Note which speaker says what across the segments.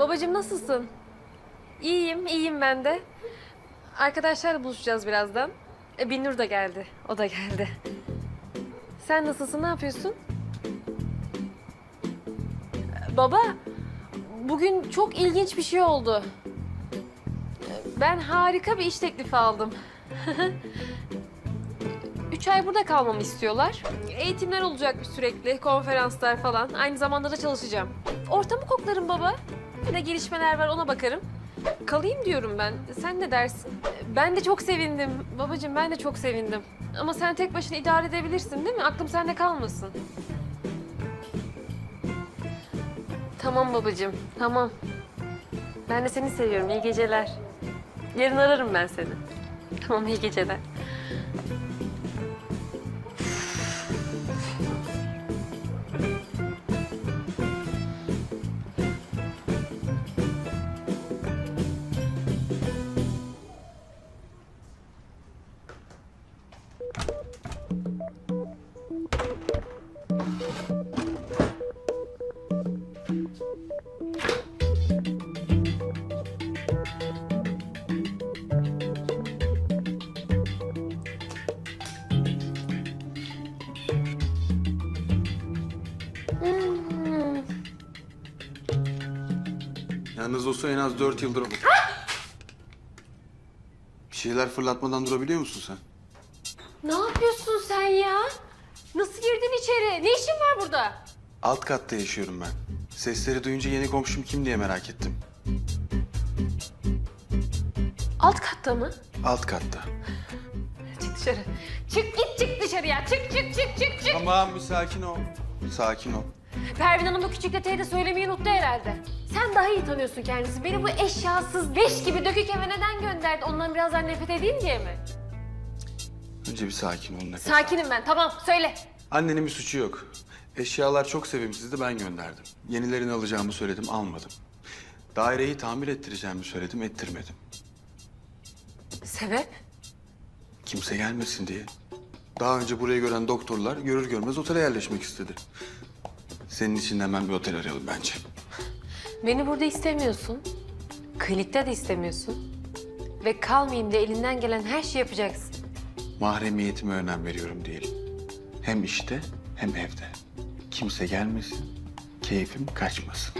Speaker 1: Babacığım nasılsın? İyiyim, iyiyim ben de. Arkadaşlarla buluşacağız birazdan. Binnur da geldi, o da geldi. Sen nasılsın, ne yapıyorsun? Baba, bugün çok ilginç bir şey oldu. Ben harika bir iş teklifi aldım. 3 ay burada kalmamı istiyorlar. Eğitimler olacakmış sürekli, konferanslar falan. Aynı zamanda da çalışacağım. Ortamı koklarım baba. Ne gelişmeler var ona bakarım. Kalayım diyorum ben. Sen ne dersin? Ben de çok sevindim. Babacığım ben de çok sevindim. Ama sen tek başına idare edebilirsin değil mi? Aklım sende kalmasın. Tamam babacığım, tamam. Ben de seni seviyorum. İyi geceler. Yarın ararım ben seni. Tamam, iyi geceler.
Speaker 2: Yalnız olsa en az 4 yıldır... Bir şeyler fırlatmadan durabiliyor musun sen?
Speaker 1: Ne yapıyorsun sen ya? Nasıl girdin içeri? Ne işin var burada?
Speaker 2: Alt katta yaşıyorum ben. Sesleri duyunca yeni komşum kim diye merak ettim.
Speaker 1: Alt katta mı?
Speaker 2: Alt katta.
Speaker 1: Çık dışarı. Çık git çık dışarıya. Çık.
Speaker 2: Tamam bir sakin ol. Sakin ol.
Speaker 1: Pervin Hanım bu küçük detayı da söylemeyi unuttu herhalde. Sen daha iyi tanıyorsun kendisi. Beni bu eşyasız, leş gibi dökük eve neden gönderdi? Ondan birazdan nefret edeyim diye mi?
Speaker 2: Önce bir sakin ol nefes al.
Speaker 1: Sakinim ben. Tamam söyle.
Speaker 2: Annenin bir suçu yok. Eşyalar çok sevimsizdi ben gönderdim. Yenilerini alacağımı söyledim almadım. Daireyi tamir ettireceğimi söyledim ettirmedim.
Speaker 1: Sebep?
Speaker 2: Kimse gelmesin diye. Daha önce burayı gören doktorlar görür görmez otele yerleşmek istedi. Senin için de hemen bir otel arayalım bence.
Speaker 1: Beni burada istemiyorsun. Klinikte de istemiyorsun. Ve kalmayayım diye elinden gelen her şeyi yapacaksın.
Speaker 2: Mahremiyetime önem veriyorum diyelim. Hem işte hem evde. Kimse gelmesin, keyfim kaçmasın.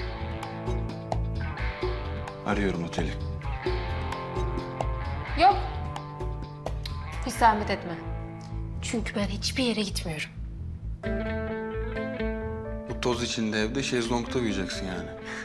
Speaker 2: Arıyorum oteli.
Speaker 1: Yok. Hiç zahmet etme. Çünkü ben hiçbir yere gitmiyorum.
Speaker 2: Bu toz içinde evde şezlongda uyuyacaksın yani.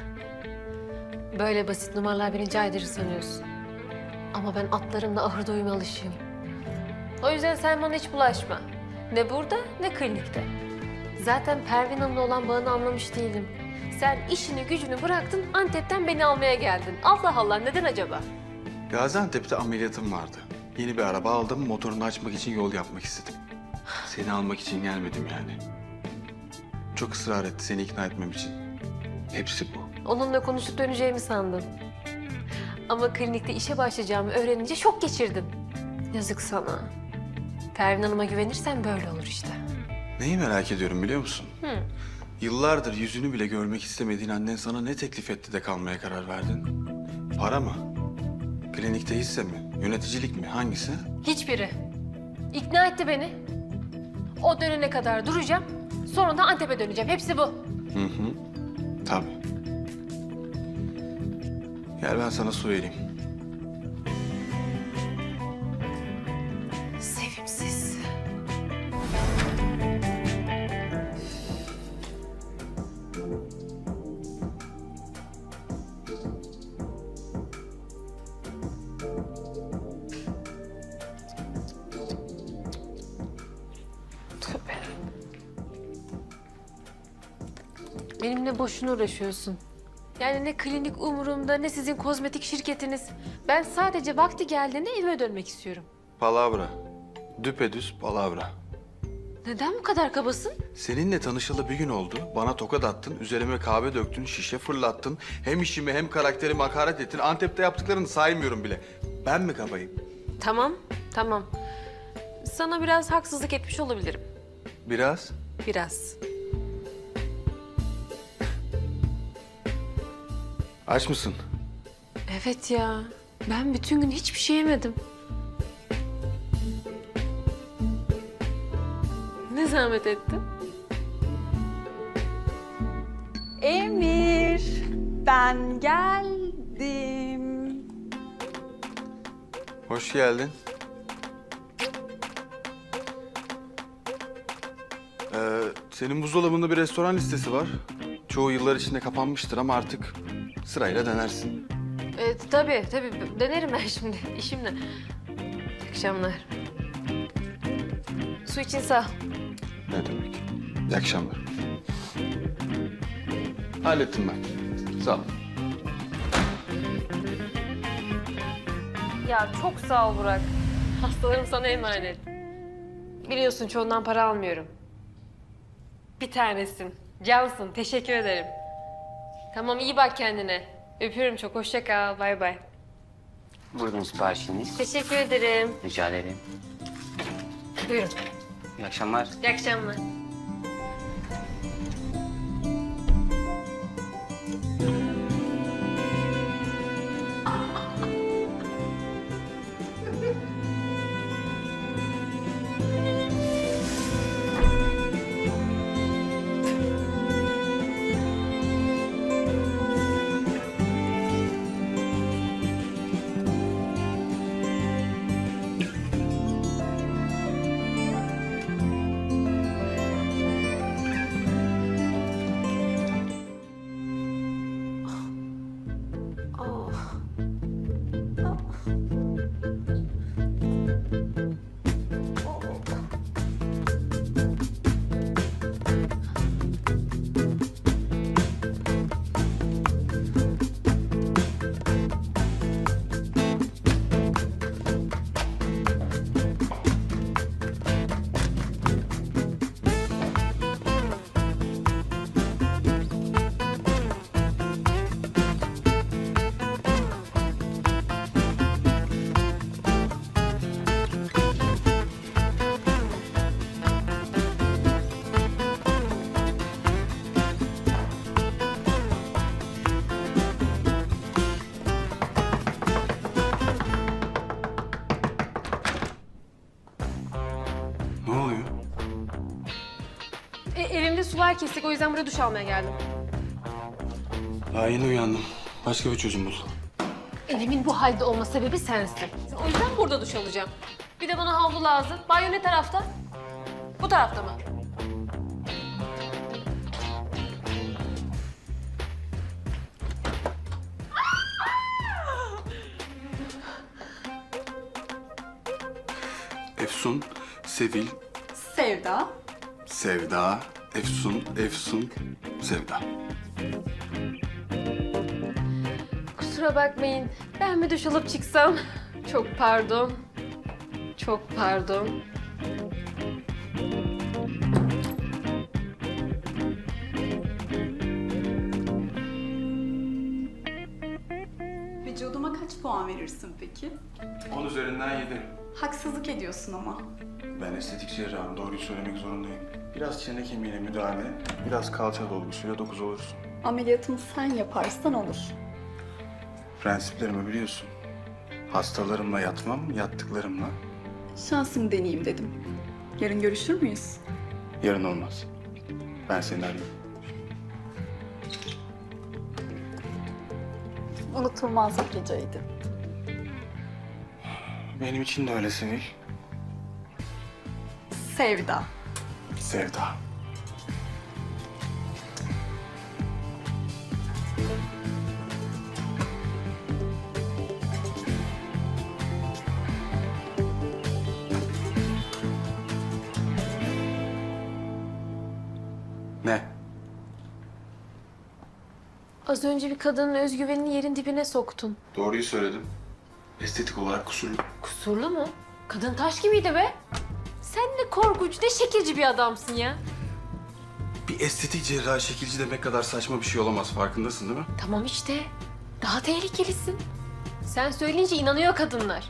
Speaker 1: Böyle basit numaralar beni caydırır sanıyorsun. Ama ben atlarımla ahırda uyuma alışığım. O yüzden sen bana hiç bulaşma. Ne burada ne klinikte. Zaten Pervin Hanım'la olan bağını anlamış değilim. Sen işini gücünü bıraktın, Antep'ten beni almaya geldin. Allah Allah, neden acaba?
Speaker 2: Gaziantep'te ameliyatım vardı. Yeni bir araba aldım, motorunu açmak için yol yapmak istedim. Seni almak için gelmedim yani. Çok ısrar etti seni ikna etmem için. Hepsi bu.
Speaker 1: Onunla konuşup döneceğimi sandım. Ama klinikte işe başlayacağımı öğrenince şok geçirdim. Yazık sana. Pervin Hanım'a güvenirsen böyle olur işte.
Speaker 2: Neyi merak ediyorum biliyor musun?
Speaker 1: Hı.
Speaker 2: Yıllardır yüzünü bile görmek istemediğin annen sana ne teklif etti de kalmaya karar verdin? Para mı? Klinikte hisse mi? Yöneticilik mi? Hangisi?
Speaker 1: Hiçbiri. İkna etti beni. O dönene kadar duracağım. Sonra da Antep'e döneceğim. Hepsi bu.
Speaker 2: Hı hı. Tabii. Gel ben sana su vereyim.
Speaker 1: Sevimsiz. Tövbe. Benimle boşuna uğraşıyorsun. Yani ne klinik umurumda ne sizin kozmetik şirketiniz. Ben sadece vakti geldiğinde evime dönmek istiyorum.
Speaker 2: Palavra. Düpedüz palavra.
Speaker 1: Neden bu kadar kabasın?
Speaker 2: Seninle tanışalı bir gün oldu. Bana tokat attın, üzerime kahve döktün, şişe fırlattın. Hem işimi hem karakterime hakaret ettin. Antep'te yaptıklarını saymıyorum bile. Ben mi kabayım?
Speaker 1: Tamam. Sana biraz haksızlık etmiş olabilirim.
Speaker 2: Biraz.
Speaker 1: Biraz.
Speaker 2: Aç mısın?
Speaker 1: Evet ya. Ben bütün gün hiçbir şey yemedim. Ne zahmet ettin?
Speaker 3: Emir, ben geldim.
Speaker 2: Hoş geldin. Senin buzdolabında bir restoran listesi var. Çoğu yıllar içinde kapanmıştır ama artık sırayla denersin.
Speaker 1: Tabii. Denerim ben şimdi. İşimle. İyi akşamlar. Su için sağ ol.
Speaker 2: Ne demek? İyi akşamlar. Hallettim ben. Sağ ol.
Speaker 1: Ya çok sağ ol Burak. Hastalarım sana emanet. Biliyorsun çoğundan para almıyorum. Bir tanesin. Cansın. Teşekkür ederim. Tamam iyi bak kendine. Öpüyorum çok. Hoşça kal. Bay bay.
Speaker 4: Buyurun siparişiniz.
Speaker 1: Teşekkür ederim.
Speaker 4: Rica ederim.
Speaker 1: Buyurun.
Speaker 4: İyi akşamlar.
Speaker 1: İyi akşamlar.
Speaker 2: Ne oluyor?
Speaker 1: Evimde sular kestik. O yüzden buraya duş almaya geldim.
Speaker 2: Daha yeni uyandım. Başka bir çözüm bul.
Speaker 1: Evimin bu halde olma sebebi sensin. O yüzden burada duş alacağım. Bir de bana havlu lazım. Banyo ne tarafta? Bu tarafta mı?
Speaker 2: Efsun, Sevil,
Speaker 3: Sevda.
Speaker 2: Sevda, Efsun, Sevda.
Speaker 1: Kusura bakmayın. Ben mi duş alıp çıksam? Çok pardon. Çok pardon.
Speaker 3: Vücuduma kaç puan verirsin peki?
Speaker 2: 10 üzerinden 7.
Speaker 3: Haksızlık ediyorsun ama.
Speaker 2: Ben estetik cerrahım, doğruyu söylemek zorundayım. Biraz çene kemiğine müdahale, biraz kalça dolgusuyla 9 olursun.
Speaker 3: Ameliyatımı sen yaparsan olur.
Speaker 2: Prensiplerimi biliyorsun. Hastalarımla yatmam, yattıklarımla.
Speaker 3: Şansımı deneyeyim dedim. Yarın görüşür müyüz?
Speaker 2: Yarın olmaz. Ben seni arayayım.
Speaker 3: Unutulmaz bir geceydi.
Speaker 2: Benim için de öyle Sevil.
Speaker 3: Sevda.
Speaker 2: Sevda. Ne?
Speaker 1: Az önce bir kadının özgüvenini yerin dibine soktun.
Speaker 2: Doğruyu söyledim. Estetik olarak kusurlu.
Speaker 1: Kusurlu mu? Kadın taş gibiydi be. Sen ne korkunç, ne şekilci bir adamsın ya.
Speaker 2: Bir estetik cerrahi şekilci demek kadar saçma bir şey olamaz. Farkındasın değil mi?
Speaker 1: Tamam işte. Daha tehlikelisin. Sen söyleyince inanıyor kadınlar.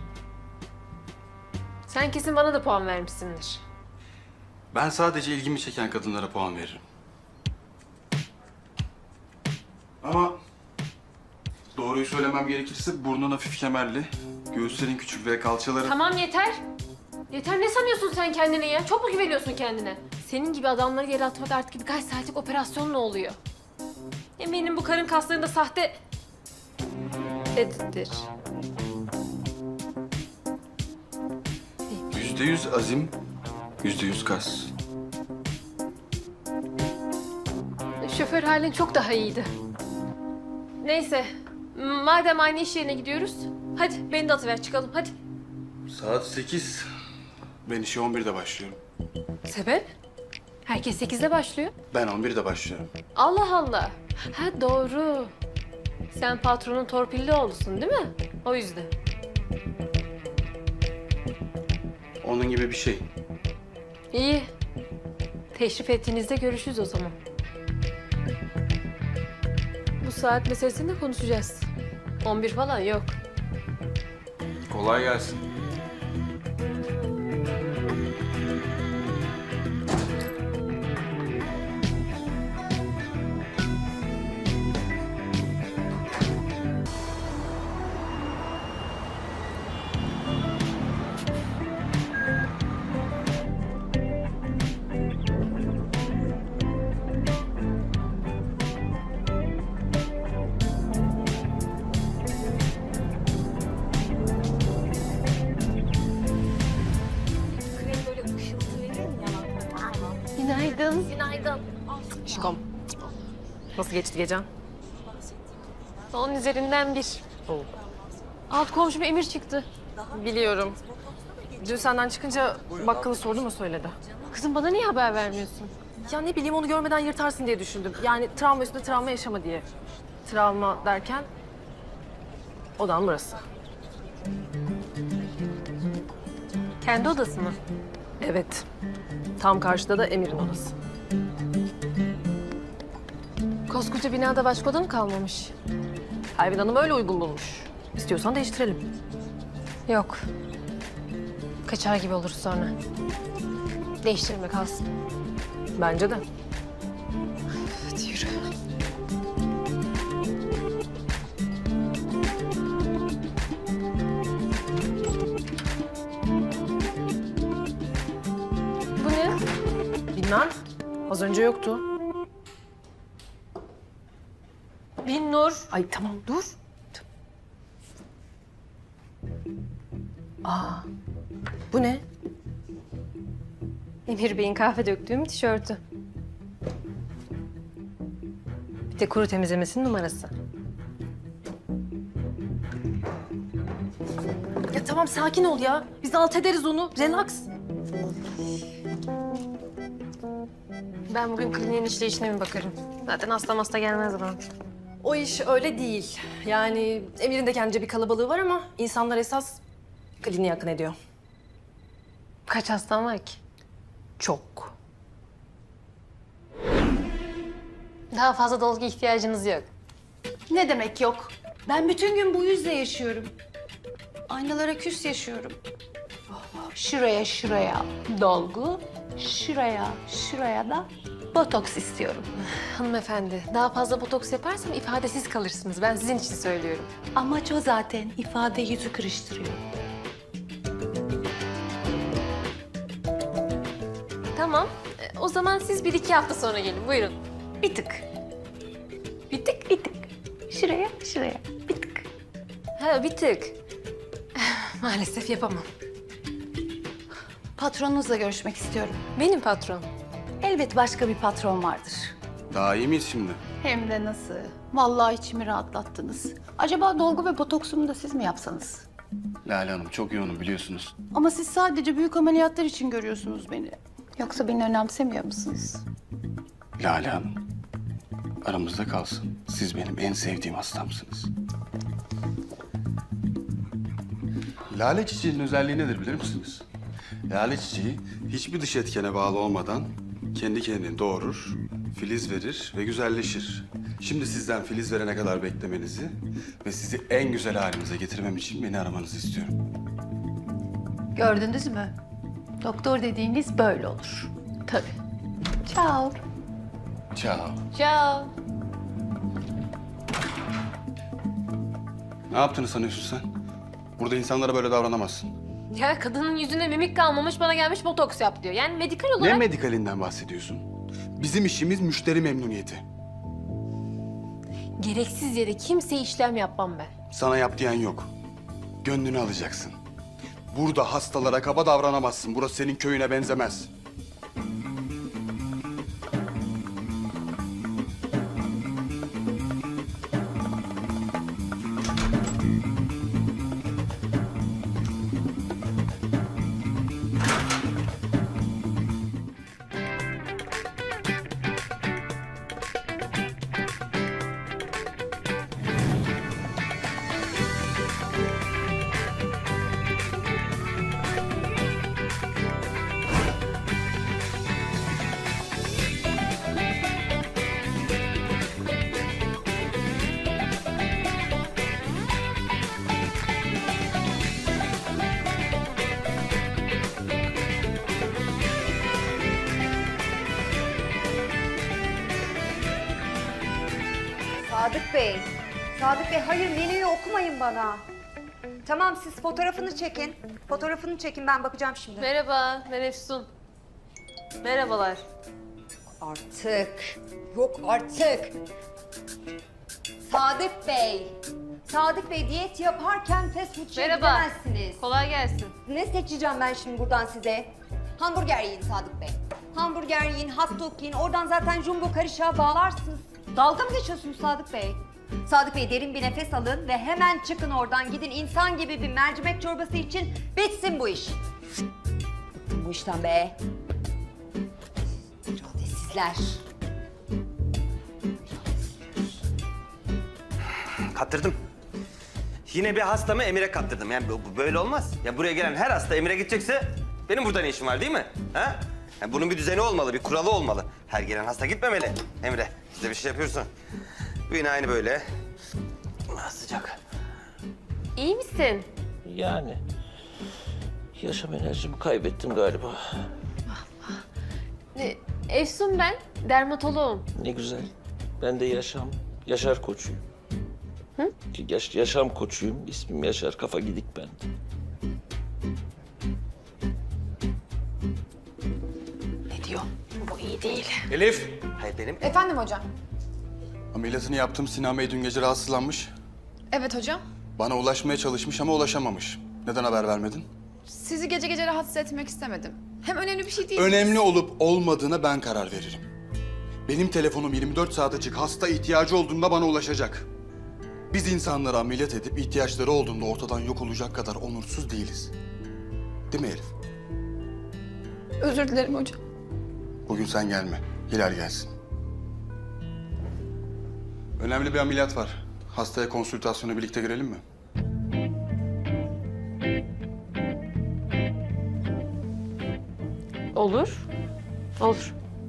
Speaker 1: Sen kesin bana da puan vermişsindir.
Speaker 2: Ben sadece ilgimi çeken kadınlara puan veririm. Ama Doğruyu söylemem gerekirse burnun hafif kemerli, göğüslerin küçük ve kalçaların...
Speaker 1: Tamam yeter. Yeter, ne sanıyorsun sen kendine ya? Çok mu güveniyorsun kendine? Senin gibi adamları yere atmak artık birkaç saatlik operasyon ne oluyor? Eminim bu karın kaslarında sahte... ...dedidir.
Speaker 2: %100 azim, %100 kas.
Speaker 1: Şoför halin çok daha iyiydi. Neyse, madem aynı iş yerine gidiyoruz, hadi beni de atıver çıkalım, hadi.
Speaker 2: Saat 8. Ben işe 11'de başlıyorum.
Speaker 1: Sebep? Herkes 8'de başlıyor.
Speaker 2: Ben 11'de başlıyorum.
Speaker 1: Allah Allah. Ha doğru. Sen patronun torpilli oğlusun değil mi? O yüzden.
Speaker 2: Onun gibi bir şey.
Speaker 1: İyi. Teşrif ettiğinizde görüşürüz o zaman. Bu saat meselesini de konuşacağız. 11 falan yok.
Speaker 2: Kolay gelsin.
Speaker 1: Günaydın. Günaydın.
Speaker 5: Şikom. Nasıl geçti gecen?
Speaker 1: Onun üzerinden bir. Alt komşum Emir çıktı.
Speaker 5: Biliyorum. Dün senden çıkınca bakkalı sordu mu söyledi.
Speaker 1: Kızım bana niye haber vermiyorsun?
Speaker 5: Ya ne bileyim onu görmeden yırtarsın diye düşündüm. Yani travma üstüne travma yaşama diye. Travma derken odan burası.
Speaker 1: Kendi odası mı?
Speaker 5: Evet. Tam karşıda da Emir'in odası.
Speaker 1: Koskoca binada başka oda mı kalmamış?
Speaker 5: Pervin Hanım öyle uygun bulmuş. İstiyorsan değiştirelim.
Speaker 1: Yok. Kaçar gibi oluruz sonra. Değiştirme kalsın.
Speaker 5: Bence de.
Speaker 1: Hadi yürü. Bu ne?
Speaker 5: Bilmem. Az önce yoktu.
Speaker 1: Binnur.
Speaker 5: Ay tamam dur. Aa, bu ne?
Speaker 1: Emir Bey'in kahve döktüğüm tişörtü. Bir de kuru temizlemesinin numarası.
Speaker 5: Ya tamam sakin ol ya. Biz alt ederiz onu. Relax.
Speaker 1: Ben bugün kliniğin işleyişine mi bakarım? Zaten hasta gelmez bana.
Speaker 5: O iş öyle değil. Yani Emir'in de kendince bir kalabalığı var ama insanlar esas kliniğe yakın ediyor.
Speaker 1: Kaç hastan var ki?
Speaker 5: Çok.
Speaker 1: Daha fazla dolgu ihtiyacınız yok.
Speaker 6: Ne demek yok? Ben bütün gün bu yüzle yaşıyorum. Aynalara küs yaşıyorum. Şuraya dolgu, şuraya da botoks istiyorum.
Speaker 1: Hanımefendi, daha fazla botoks yaparsam ifadesiz kalırsınız. Ben sizin için söylüyorum.
Speaker 6: Amaç o zaten, ifade yüzü kırıştırıyor.
Speaker 1: Tamam, o zaman siz 1-2 hafta sonra gelin. Buyurun.
Speaker 6: Bir tık. Bir tık. Şuraya, bir tık.
Speaker 1: Ha, bir tık. Maalesef yapamam.
Speaker 6: Patronunuzla görüşmek istiyorum.
Speaker 1: Benim patron.
Speaker 6: Elbet başka bir patron vardır.
Speaker 2: Daha iyi miyiz şimdi?
Speaker 6: Hem de nasıl? Vallahi içimi rahatlattınız. Acaba dolgu ve botoksumu da siz mi yapsanız?
Speaker 2: Lale Hanım çok yoğunum biliyorsunuz.
Speaker 6: Ama siz sadece büyük ameliyatlar için görüyorsunuz beni. Yoksa beni önemsemiyor musunuz?
Speaker 2: Lale Hanım, aramızda kalsın. Siz benim en sevdiğim hastamsınız. Lale çiçeğinin özelliği nedir bilir misiniz? Lale çiçeği hiçbir dış etkene bağlı olmadan kendi kendini doğurur, filiz verir ve güzelleşir. Şimdi sizden filiz verene kadar beklemenizi ve sizi en güzel halinize getirmem için beni aramanızı istiyorum.
Speaker 6: Gördünüz mü? Doktor dediğiniz böyle olur. Tabii. Ciao.
Speaker 2: Ciao.
Speaker 1: Ciao.
Speaker 2: Ne yaptığını sanıyorsun sen? Burada insanlara böyle davranamazsın.
Speaker 1: Ya kadının yüzünde mimik kalmamış, bana gelmiş botoks yap diyor. Yani medikal
Speaker 2: Ne
Speaker 1: olarak...
Speaker 2: medikalinden bahsediyorsun? Bizim işimiz müşteri memnuniyeti.
Speaker 1: Gereksiz yere kimseye işlem yapmam ben.
Speaker 2: Sana yap diyen yok. Gönlünü alacaksın. Burada hastalara kaba davranamazsın. Burası senin köyüne benzemez.
Speaker 7: Sadık Bey, Sadık Bey hayır menüyü okumayın bana. Tamam siz fotoğrafını çekin. Fotoğrafını çekin ben bakacağım şimdi.
Speaker 1: Merhaba, ben Efsun. Merhabalar.
Speaker 7: Artık. Yok artık. Sadık Bey. Sadık Bey diyet yaparken fast food
Speaker 1: Merhaba.
Speaker 7: gidemezsiniz.
Speaker 1: Kolay gelsin.
Speaker 7: Ne seçeceğim ben şimdi buradan size? Hamburger yiyin Sadık Bey. Hamburger yiyin, hot dog yiyin. Oradan zaten jumbo karışığa bağlarsınız. Dalga mı geçiyorsunuz Sadık Bey? Sadık Bey derin bir nefes alın ve hemen çıkın oradan. Gidin insan gibi bir mercimek çorbası için bitsin bu iş. Bıktım bu işten be. İradesizler.
Speaker 8: Kaptırdım. Yine bir hastamı Emir'e kaptırdım. Yani bu böyle olmaz. Ya buraya gelen her hasta Emir'e gidecekse benim burada ne işim var değil mi? Ha? Yani bunun bir düzeni olmalı, bir kuralı olmalı. Her gelen hasta gitmemeli Emre. Biz de bir şey yapıyorsun. Bu yine aynı böyle. Ah, sıcak.
Speaker 1: İyi misin?
Speaker 9: Yani yaşam enerjimi kaybettim galiba.
Speaker 1: Efsun ben, dermatoloğum.
Speaker 9: Ne güzel. Ben de Yaşar koçuyum. Hı? Yaşam koçuyum. İsmim Yaşar. Kafa gidik ben.
Speaker 1: Ne diyor? Bu iyi değil.
Speaker 2: Elif!
Speaker 8: Hayır benim
Speaker 10: Efendim hocam.
Speaker 2: Ameliyatını yaptım. Sinan Bey dün gece rahatsızlanmış.
Speaker 10: Evet hocam.
Speaker 2: Bana ulaşmaya çalışmış ama ulaşamamış. Neden haber vermedin?
Speaker 10: Sizi gece gece rahatsız etmek istemedim. Hem önemli bir şey değil.
Speaker 2: Önemli olup olmadığına ben karar veririm. Benim telefonum 24 saat açık. Hasta ihtiyacı olduğunda bana ulaşacak. Biz insanları ameliyat edip ihtiyaçları olduğunda ortadan yok olacak kadar onursuz değiliz. Değil mi Elif?
Speaker 10: Özür dilerim hocam.
Speaker 2: Bugün sen gelme. Hilal gelsin. Önemli bir ameliyat var. Hastaya konsültasyona birlikte girelim mi?
Speaker 1: Olur. Olur.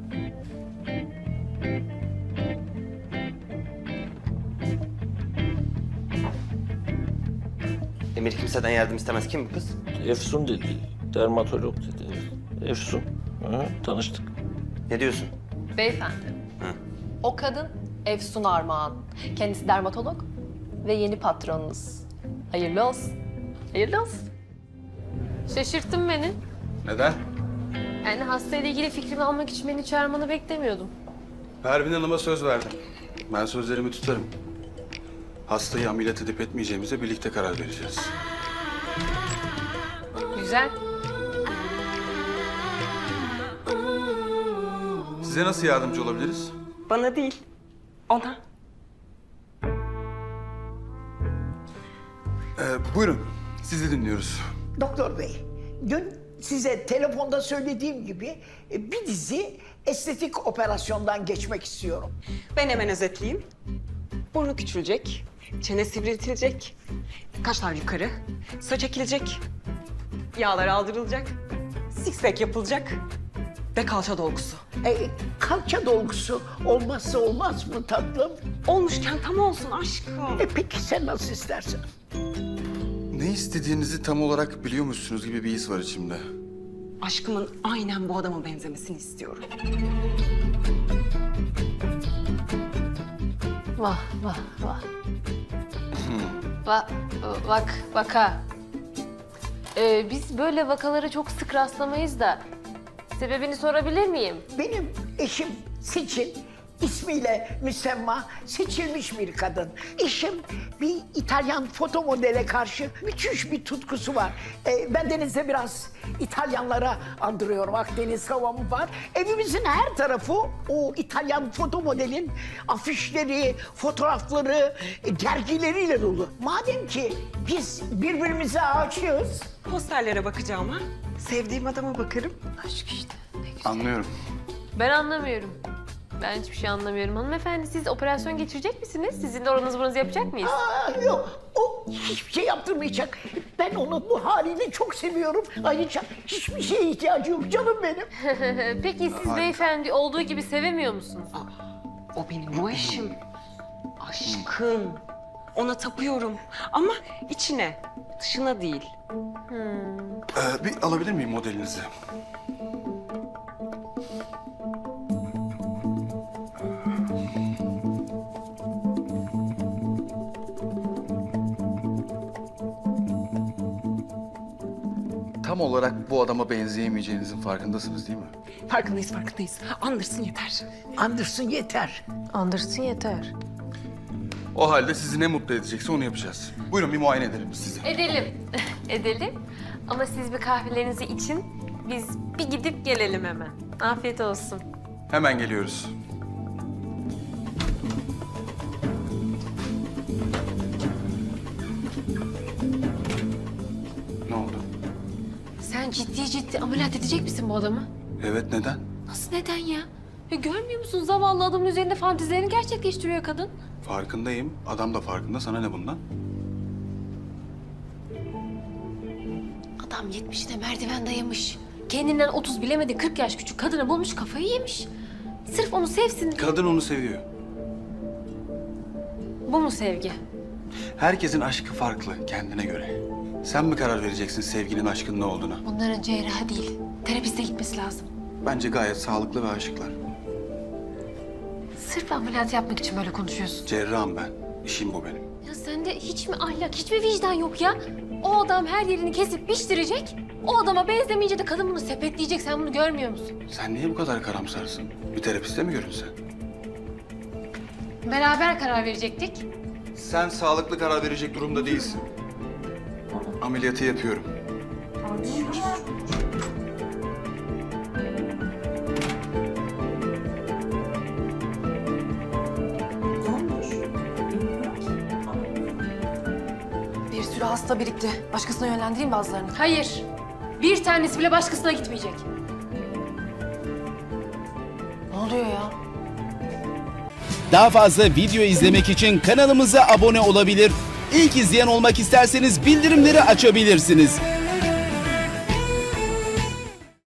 Speaker 8: Emir kimseden yardım istemez. Kim bu kız?
Speaker 9: Efsun dedi. Dermatolog dedi. Efsun. Hı, tanıştık.
Speaker 8: Ne diyorsun?
Speaker 5: Beyefendi. O kadın Efsun Armağan. Kendisi dermatolog ve yeni patronunuz. Hayırlı olsun. Hayırlı olsun.
Speaker 1: Şaşırttın beni.
Speaker 2: Neden?
Speaker 1: Yani hastayla ilgili fikrimi almak için beni çağırmanı beklemiyordum.
Speaker 2: Pervin Hanım'a söz verdim. Ben sözlerimi tutarım. Hastayı ameliyat edip etmeyeceğimize birlikte karar vereceğiz.
Speaker 1: Güzel.
Speaker 2: Size nasıl yardımcı olabiliriz?
Speaker 11: Bana değil, ona.
Speaker 2: Buyurun, sizi dinliyoruz.
Speaker 12: Doktor bey, dün size telefonda söylediğim gibi bir dizi estetik operasyondan geçmek istiyorum.
Speaker 11: Ben hemen özetleyeyim. Burnu küçülecek, çene sivriltilecek, kaşlar yukarı, saç ekilecek, yağlar aldırılacak, six pack yapılacak ve kalça dolgusu.
Speaker 12: Kalça dolgusu olmazsa olmaz mı tatlım?
Speaker 11: Olmuşken tam olsun aşkım.
Speaker 12: Peki sen nasıl istersen.
Speaker 2: Ne istediğinizi tam olarak biliyormuşsunuz gibi bir his var içimde.
Speaker 11: Aşkımın aynen bu adama benzemesini istiyorum.
Speaker 1: Vah vah vah. Vaka. Biz böyle vakalara çok sık rastlamayız da. Sebebini sorabilir miyim?
Speaker 12: Benim eşim Seçil, ismiyle müsemma seçilmiş bir kadın. Eşim bir İtalyan foto modele karşı müthiş bir tutkusu var. Ben denizde biraz İtalyanlara andırıyorum. Akdeniz havamı var. Evimizin her tarafı o İtalyan foto modelin afişleri, fotoğrafları, dergileriyle dolu. Madem ki biz birbirimize aşığız.
Speaker 11: Posterlere bakacağım ha. Sevdiğim adama bakarım.
Speaker 1: Aşk işte.
Speaker 2: Anlıyorum.
Speaker 1: Ben anlamıyorum. Ben hiçbir şey anlamıyorum. Hanımefendi siz operasyon geçirecek misiniz? Sizin de oranızı buranızı yapacak mıyız?
Speaker 12: Yok, o hiçbir şey yaptırmayacak. Ben onu bu haliyle çok seviyorum. Ayrıca hiçbir şeye ihtiyacı yok canım benim.
Speaker 1: Peki siz beyefendi olduğu gibi sevemiyor musunuz?
Speaker 11: O benim o eşim. Aşkım. Ona tapıyorum. Ama içine, dışına değil.
Speaker 2: Bir alabilir miyim modelinizi? Tam olarak bu adama benzeyemeyeceğinizin farkındasınız değil mi?
Speaker 11: Farkındayız. Andırsın yeter.
Speaker 12: Andırsın yeter.
Speaker 1: Andırsın yeter.
Speaker 2: O halde sizi ne mutlu edecekse onu yapacağız. Buyurun bir muayene edelim sizi.
Speaker 1: Edelim. Edelim. Ama siz bir kahvelerinizi için biz bir gidip gelelim hemen. Afiyet olsun.
Speaker 2: Hemen geliyoruz. Ne oldu?
Speaker 1: Sen ciddi ameliyat edecek misin bu adamı?
Speaker 2: Evet, neden?
Speaker 1: Nasıl neden ya? Ya görmüyor musun? Zavallı adamın üzerinde fantezilerini gerçekleştiriyor kadın.
Speaker 2: Farkındayım. Adam da farkında. Sana ne bundan?
Speaker 1: Adam 70'te merdiven dayamış. Kendinden 30 bilemedi 40 yaş küçük kadını bulmuş kafayı yemiş. Sırf onu sevsin.
Speaker 2: Kadın onu seviyor.
Speaker 1: Bu mu sevgi?
Speaker 2: Herkesin aşkı farklı kendine göre. Sen mi karar vereceksin sevginin aşkın ne olduğuna?
Speaker 1: Bunların cerrahı değil. Terapiste gitmesi lazım.
Speaker 2: Bence gayet sağlıklı ve aşıklar.
Speaker 1: Sırf ameliyat yapmak için böyle konuşuyorsun.
Speaker 2: Cerrahım ben. İşim bu benim.
Speaker 1: Ya sende hiç mi ahlak, hiç mi vicdan yok ya? O adam her yerini kesip biçtirecek. O adama benzemeyince de kadın bunu sepetleyecek. Sen bunu görmüyor musun?
Speaker 2: Sen niye bu kadar karamsarsın? Bir terapiste mi görünsen?
Speaker 1: Beraber karar verecektik.
Speaker 2: Sen sağlıklı karar verecek durumda değilsin. Ameliyatı yapıyorum.
Speaker 5: Bir sürü hasta birikti. Başkasına yönlendireyim bazılarını.
Speaker 1: Hayır. Bir tanesi bile başkasına gitmeyecek.
Speaker 5: Ne oluyor ya?
Speaker 13: Daha fazla video izlemek için kanalımıza abone olabilir. İlk izleyen olmak isterseniz bildirimleri açabilirsiniz.